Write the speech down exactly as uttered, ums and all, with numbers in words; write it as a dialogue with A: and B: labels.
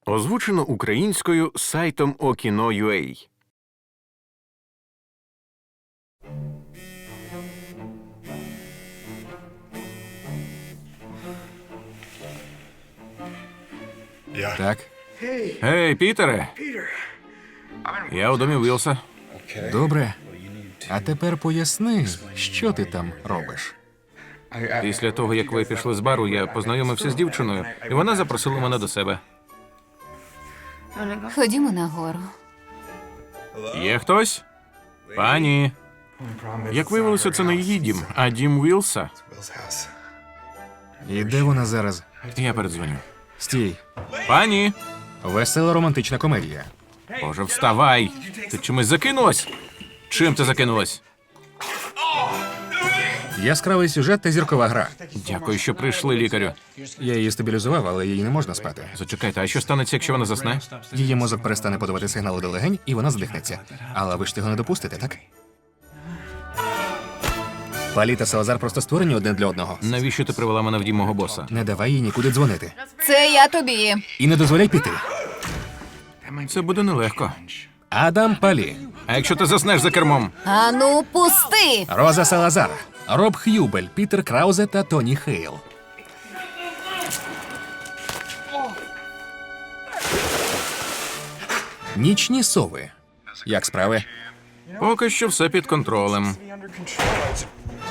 A: Озвучено українською сайтом Okino.ua.
B: Так,
A: Гей, Пітере! Я у домі Вілса.
B: добре. А тепер поясни, що ти там робиш.
A: Після того, як ви пішли з бару, я познайомився з дівчиною, і вона запросила мене до себе.
C: Ходімо нагору.
A: Є хтось? Пані. Як виявилося, це не її дім, а дім Вілса.
B: І де вона зараз?
A: Я передзвоню.
B: Стій.
A: Пані!
B: Весела романтична комедія.
A: Боже, вставай! Ти чимось закинулась? Чим ти закинулась?
B: Яскравий сюжет та зіркова гра.
A: Дякую, що прийшли, лікарю.
B: Я її стабілізував, але їй не можна спати.
A: Зачекайте, а що станеться, якщо вона засне?
B: Її мозок перестане подавати сигнали до легень, і вона здихнеться. Але ви ж цього не допустите, так? Палі та Салазар просто створені одне для одного.
A: Навіщо ти привела мене в дім мого боса?
B: Не давай їй нікуди дзвонити.
C: Це я тобі.
B: І не дозволяй піти.
A: Це буде нелегко.
B: Адам Палі,
A: А якщо ти заснеш за кермом?
C: Ану, пусти!
B: Роза Салазар, Роб Х'юбель, Пітер Краузе та Тоні Хейл. Нічні сови. Як справи?
A: Поки що все під контролем.